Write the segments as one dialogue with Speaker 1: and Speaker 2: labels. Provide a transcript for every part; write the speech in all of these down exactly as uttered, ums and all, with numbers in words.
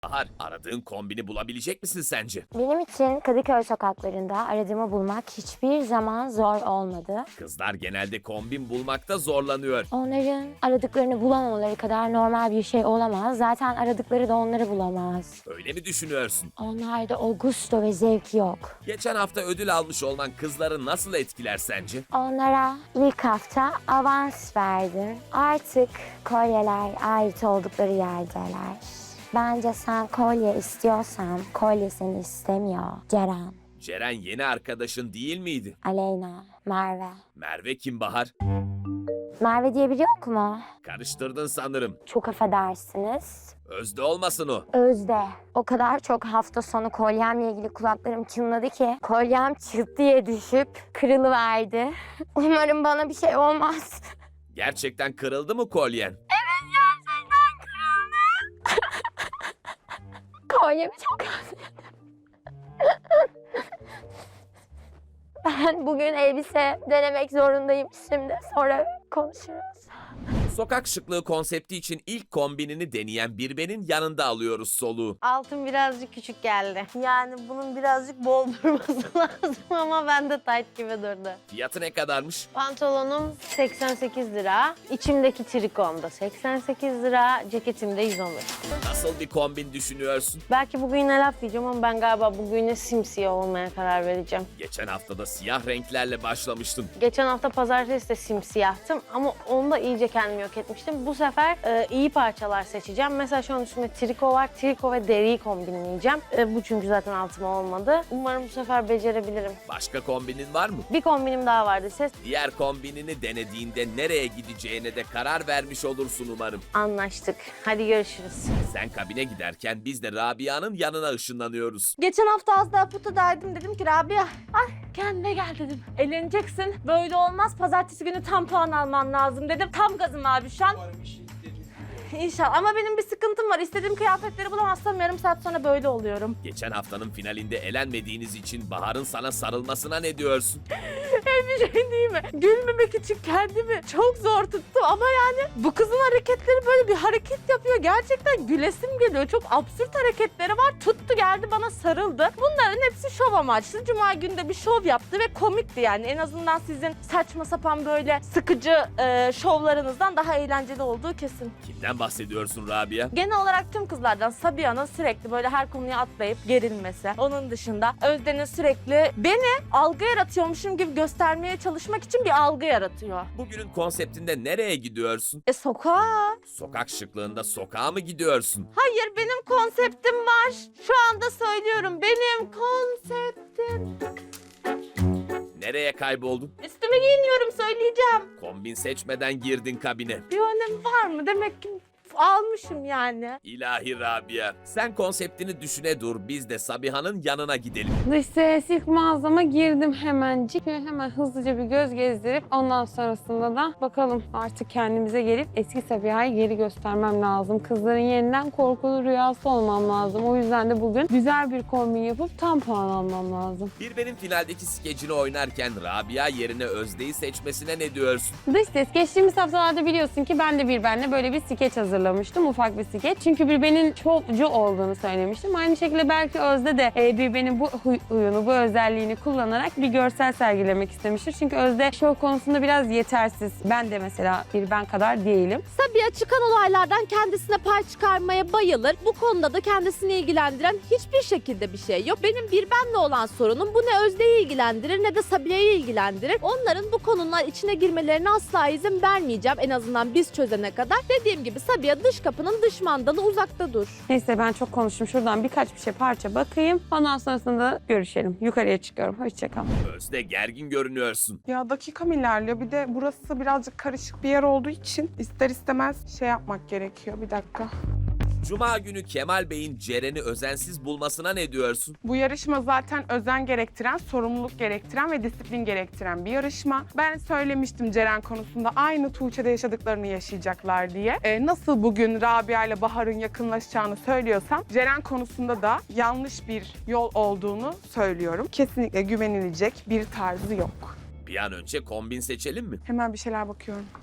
Speaker 1: Bahar, aradığın kombini bulabilecek misin sence?
Speaker 2: Benim için Kadıköy sokaklarında aradığımı bulmak hiçbir zaman zor olmadı.
Speaker 1: Kızlar genelde kombin bulmakta zorlanıyor.
Speaker 2: Onların aradıklarını bulamamaları kadar normal bir şey olamaz. Zaten aradıkları da onları bulamaz.
Speaker 1: Öyle mi düşünüyorsun?
Speaker 2: Onlarda o gusto ve zevk yok.
Speaker 1: Geçen hafta ödül almış olman kızları nasıl etkiler sence?
Speaker 2: Onlara ilk hafta avans verdim. Artık kolyeler ait oldukları yerdeler. Bence sen kolye istiyorsan kolye seni istemiyor. Ceren,
Speaker 1: Ceren yeni arkadaşın değil miydi?
Speaker 2: Aleyna, Merve.
Speaker 1: Merve kim Bahar?
Speaker 2: Merve diye biri yok mu?
Speaker 1: Karıştırdın sanırım.
Speaker 2: Çok affedersiniz.
Speaker 1: Özde olmasın o.
Speaker 2: Özde. O kadar çok hafta sonu kolyemle ilgili kulaklarım çınladı ki kolyem çıt diye düşüp kırılıverdi. Umarım bana bir şey olmaz.
Speaker 1: Gerçekten kırıldı mı kolyen?
Speaker 2: Kolyemi çok özledim. Ben bugün elbise denemek zorundayım şimdi. Sonra konuşuruz.
Speaker 1: Sokak şıklığı konsepti için ilk kombinini deneyen Birben'in yanında alıyoruz soluğu.
Speaker 3: Altın birazcık küçük geldi. Yani bunun birazcık bol durması lazım ama bende tight gibi durdu.
Speaker 1: Fiyatı ne kadarmış?
Speaker 3: Pantolonum seksen sekiz lira. İçimdeki trikom da seksen sekiz lira. Ceketim de yüz on beş.
Speaker 1: Nasıl bir kombin düşünüyorsun?
Speaker 3: Belki bugüne laf diyeceğim ama ben galiba bugüne simsiyah olmaya karar vereceğim.
Speaker 1: Geçen haftada siyah renklerle başlamıştın.
Speaker 3: Geçen hafta pazartesi de simsiyahtım ama onda iyice kendimi yok etmiştim. Bu sefer e, iyi parçalar seçeceğim. Mesela şu an üstümde triko var. Triko ve deriyi kombinleyeceğim. E, bu çünkü zaten altıma olmadı. Umarım bu sefer becerebilirim.
Speaker 1: Başka kombinin var mı?
Speaker 3: Bir kombinim daha vardı. Ses
Speaker 1: Diğer kombinini denediğinde nereye gideceğine de karar vermiş olursun umarım.
Speaker 3: anlaştık. Hadi görüşürüz.
Speaker 1: Sen kabine giderken biz de Rabia'nın yanına ışınlanıyoruz.
Speaker 4: Geçen hafta az daha putadaydım, dedim ki Rabia, ay kendine gel dedim. Eğleneceksin, böyle olmaz, pazartesi günü tam puan alman lazım dedim. Tam gazım abi şu an. İnşallah, ama benim bir sıkıntım var. İstediğim kıyafetleri bulamazsam yarım saat sonra böyle oluyorum.
Speaker 1: Geçen haftanın finalinde elenmediğiniz için Bahar'ın sana sarılmasına ne diyorsun?
Speaker 4: Bir şey değil mi? Gülmemek için kendimi çok zor tuttum ama yani bu kızın hareketleri, böyle bir hareket yapıyor. Gerçekten gülesim geliyor. Çok absürt hareketleri var. Tuttu geldi bana sarıldı. Bunların hepsi şov amaçlı. Cuma günü de bir şov yaptı ve komikti yani. En azından sizin saçma sapan böyle sıkıcı e, şovlarınızdan daha eğlenceli olduğu kesin.
Speaker 1: Kimden bahsediyorsun Rabia?
Speaker 4: Genel olarak tüm kızlardan Sabiha'nın sürekli böyle her konuya atlayıp gerilmesi. Onun dışında Özden'in sürekli beni algı yaratıyormuşum gibi göstermeye çalışmak için bir algı yaratıyor.
Speaker 1: Bugünün konseptinde nereye gidiyorsun?
Speaker 4: E sokağa.
Speaker 1: Sokak şıklığında sokağa mı gidiyorsun?
Speaker 4: Hayır, benim konseptim var. Şu anda söylüyorum, benim konseptim.
Speaker 1: Nereye kayboldun?
Speaker 4: Üstüme giyiniyorum, söyleyeceğim.
Speaker 1: Kombin seçmeden girdin kabine.
Speaker 4: Bir önemi var mı? Demek ki almışım yani.
Speaker 1: İlahi Rabia. Sen konseptini düşüne dur. Biz de Sabiha'nın yanına gidelim.
Speaker 5: Dış ses ilk mağazama girdim hemencik. Şöyle hemen hızlıca bir göz gezdirip ondan sonrasında da bakalım artık kendimize gelip eski Sabiha'yı geri göstermem lazım. Kızların yeniden korkulu rüyası olmam lazım. O yüzden de bugün güzel bir kombin yapıp tam puan almam lazım.
Speaker 1: Bir benim finaldeki skecini oynarken Rabia yerine Özde'yi seçmesine ne diyorsun?
Speaker 5: Dış ses geçtiğimiz haftalarda biliyorsun ki ben de bir benle böyle bir skeç hazırlamıştım. Ufak bir skeç. Çünkü bir benim şovcu olduğunu söylemiştim. Aynı şekilde belki Özde de e, bir benim bu huy- huyunu, bu özelliğini kullanarak bir görsel sergilemek istemiştir. Çünkü Özde şov konusunda biraz yetersiz. Ben de mesela bir ben kadar değilim.
Speaker 6: Sabiha çıkan olaylardan kendisine pay çıkarmaya bayılır. Bu konuda da kendisini ilgilendiren hiçbir şekilde bir şey yok. Benim bir benle olan sorunum bu, ne Özde'yi ilgilendirir ne de Sabiha'yı ilgilendirir. Onların bu konular içine girmelerine asla izin vermeyeceğim, en azından biz çözene kadar. Dediğim gibi Sabiha dış kapının dış mandalı, uzakta dur.
Speaker 5: Neyse ben çok konuştum. Şuradan birkaç bir şey parça bakayım. Ondan sonrasında görüşelim. Yukarıya çıkıyorum. Hoşçakal.
Speaker 1: Özde gergin görünüyorsun.
Speaker 7: Ya dakikam ilerliyor. Bir de burası birazcık karışık bir yer olduğu için ister istemez şey yapmak gerekiyor. Bir dakika.
Speaker 1: Cuma günü Kemal Bey'in Ceren'i özensiz bulmasına ne diyorsun?
Speaker 7: Bu yarışma zaten özen gerektiren, sorumluluk gerektiren ve disiplin gerektiren bir yarışma. Ben söylemiştim Ceren konusunda aynı Tuğçe'de yaşadıklarını yaşayacaklar diye. Ee, nasıl bugün Rabia ile Bahar'ın yakınlaşacağını söylüyorsam Ceren konusunda da yanlış bir yol olduğunu söylüyorum. Kesinlikle güvenilecek bir tarzı yok.
Speaker 1: Bir an önce kombin seçelim mi?
Speaker 7: Hemen bir şeyler bakıyorum.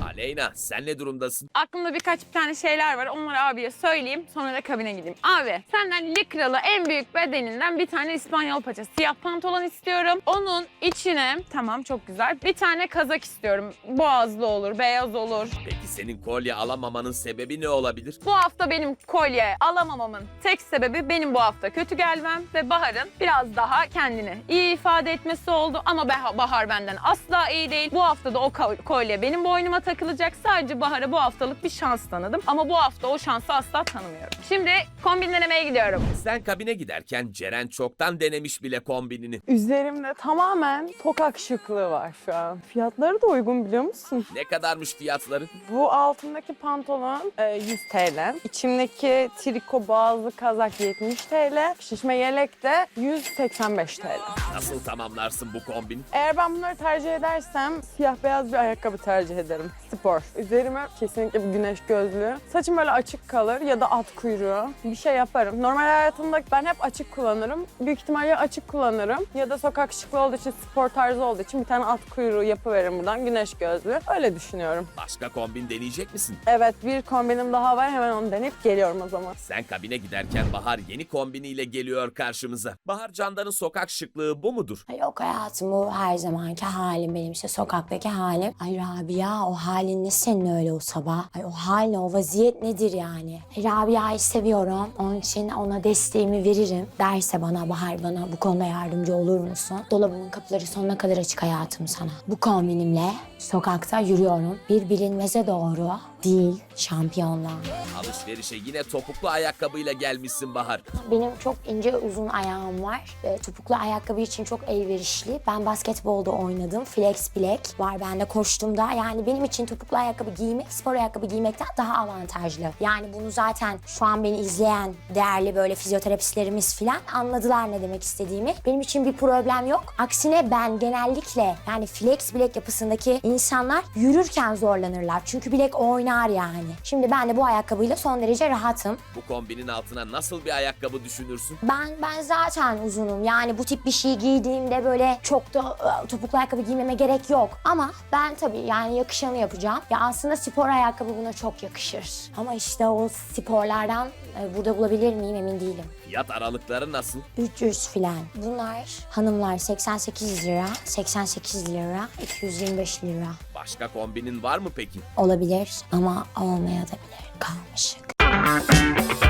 Speaker 1: Aleyna sen ne durumdasın?
Speaker 5: Aklımda birkaç bir tane şeyler var. Onları abiye söyleyeyim. Sonra da kabine gideyim. Abi senden likralı en büyük bedeninden bir tane İspanyol paça siyah pantolon istiyorum. Onun içine tamam çok güzel. Bir tane kazak istiyorum. Boğazlı olur, beyaz olur.
Speaker 1: Peki senin kolye alamamanın sebebi ne olabilir?
Speaker 5: Bu hafta benim kolye alamamamın tek sebebi benim bu hafta kötü gelmem ve Bahar'ın biraz daha kendini iyi ifade etmesi oldu. Ama Bah- Bahar benden asla iyi değil. Bu hafta da o ko- kolye benim boynuma takılacak. Sadece Bahar'a bu haftalık bir şans tanıdım. Ama bu hafta o şansı asla tanımıyorum. Şimdi kombin denemeye gidiyorum.
Speaker 1: Sen kabine giderken Ceren çoktan denemiş bile kombinini.
Speaker 8: Üzerimde tamamen sokak şıklığı var şu an. Fiyatları da uygun biliyor musun?
Speaker 1: Ne kadarmış fiyatları?
Speaker 8: Bu altındaki pantolon e, yüz TL. İçimdeki triko boğazlı kazak yetmiş TL. Şişme yelek de yüz seksen beş TL.
Speaker 1: Nasıl tamamlarsın bu kombini?
Speaker 8: Eğer ben bunları tercih edersem siyah beyaz bir ayakkabı tercih ederim. Spor. Üzerime kesinlikle bir güneş gözlüğü. Saçım böyle açık kalır ya da at kuyruğu. Bir şey yaparım. Normal hayatımda ben hep açık kullanırım. Büyük ihtimalle ya açık kullanırım ya da sokak şıklığı olduğu için, spor tarzı olduğu için bir tane at kuyruğu yapıveririm buradan. Güneş gözlüğü. Öyle düşünüyorum.
Speaker 1: Başka kombin deneyecek misin?
Speaker 8: Evet, bir kombinim daha var. Hemen onu deneyip geliyorum o zaman.
Speaker 1: Sen kabine giderken Bahar yeni kombiniyle geliyor karşımıza. Bahar Candan'ın sokak şıklığı bu mudur?
Speaker 2: Ay yok hayatım, bu her zamanki halim benim, işte sokaktaki halim. Ay Rabia, o halin ne senin öyle o sabah? Ay o hal ne, o vaziyet nedir yani? Ay, Rabia'yı seviyorum. Onun için ona desteğimi veririm. Derse bana Bahar, bana bu konuda yardımcı olur musun? Dolabımın kapıları sonuna kadar açık hayatım sana. Bu kombinimle sokakta yürüyorum. Bir bilinmeze doğru değil, şampiyonluğa.
Speaker 1: Alışverişe yine topuklu ayakkabıyla gelmişsin Bahar.
Speaker 2: Benim çok ince uzun ayağım var. E, topuklu ayakkabı için çok elverişli. Ben basketbolda oynadım. Flex bilek var bende, koştuğumda. Yani benim için topuklu ayakkabı giymek, spor ayakkabı giymekten daha avantajlı. Yani bunu zaten şu an beni izleyen değerli böyle fizyoterapistlerimiz falan anladılar ne demek istediğimi. Benim için bir problem yok. Aksine ben genellikle yani flex bilek yapısındaki insanlar yürürken zorlanırlar. Çünkü bilek oynar yani. Şimdi ben de bu ayakkabıyla son derece rahatım.
Speaker 1: Bu kombinin altına nasıl bir ayakkabı düşünürsün?
Speaker 2: Ben ben zaten uzunum. Yani bu tip bir şey giydiğimde böyle çok da ıı, topuklu ayakkabı giymeme gerek yok. Ama ben tabii yani yakışanı yapacağım. Ya aslında spor ayakkabı buna çok yakışır. Ama işte o sporlardan e, burada bulabilir miyim emin değilim.
Speaker 1: Fiyat aralıkları nasıl?
Speaker 2: üç yüz filan. Bunlar hanımlar seksen sekiz lira, seksen sekiz lira, iki yüz yirmi beş lira.
Speaker 1: Başka kombinin var mı peki?
Speaker 2: Olabilir ama olmayabilir. Karmaşık.